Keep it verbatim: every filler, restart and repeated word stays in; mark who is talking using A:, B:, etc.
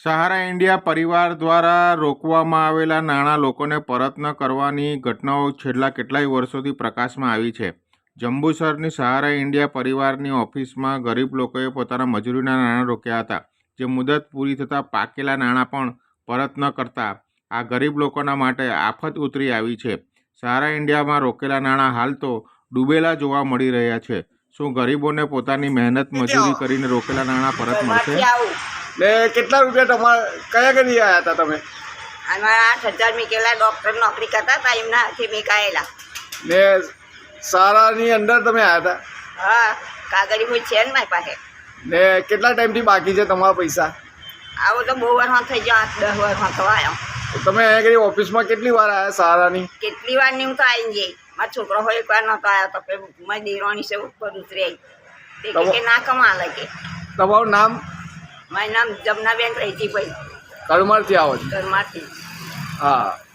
A: સહારા India પરિવાર દ્વારા રોકવામાં આવેલા નાણાં લોકોને પરત ન કરવાની ઘટનાઓ છેલ્લા કેટલાય વર્ષોથી પ્રકાશમાં આવી છે. જંબુસરની સહારા ઇન્ડિયા પરિવારની ઓફિસમાં ગરીબ લોકોએ પોતાના મજૂરીના નાણાં રોક્યા હતા, જે મુદત પૂરી થતાં પાકેલા નાણાં પણ પરત ન કરતા આ ગરીબ લોકોના માટે આફત ઉતરી આવી છે. સહારા ઇન્ડિયામાં રોકેલા નાણાં હાલ તો ડૂબેલા જોવા મળી રહ્યા છે. શું ગરીબોને પોતાની મહેનત મજૂરી કરીને રોકેલા નાણાં પરત મળશે?
B: ને કેટલા રૂપિયા તમારા કયા કદી આવ્યા હતા તમે?
C: અમારા આઠ હજાર મીકેલા ડૉક્ટર નોકરી કરતા હતા, એમના હાથે મીકાયેલા.
B: ને સારાની અંદર તમે આવ્યા હતા?
C: હા, કાગળી કોઈ છે ને મારી પાસે.
B: ને કેટલા ટાઈમથી બાકી છે તમારા પૈસા?
C: આવો તો બહુ વર્ષમાં થઈ ગયો, આઠ દસ વર્ષમાં તો આવ્યો.
B: તમે અહીંયા કરી ઓફિસમાં કેટલી વાર આવ્યા સારાની?
C: કેટલી વાર નહીં હું તો આવી જઈ. મારો છોકરો હોય એક વાર નહોતો આવ્યો તો પછી મારી દેરાણી છે ઉપર ઉતરી આવી. તે કહે કે ના કમા લાગે.
B: તમારું નામ?
C: મારું નામ જમનાબેન રહીજીભાઈ.
B: કડમરથી આવો છો?
C: ઘરમાંથી.
B: હા.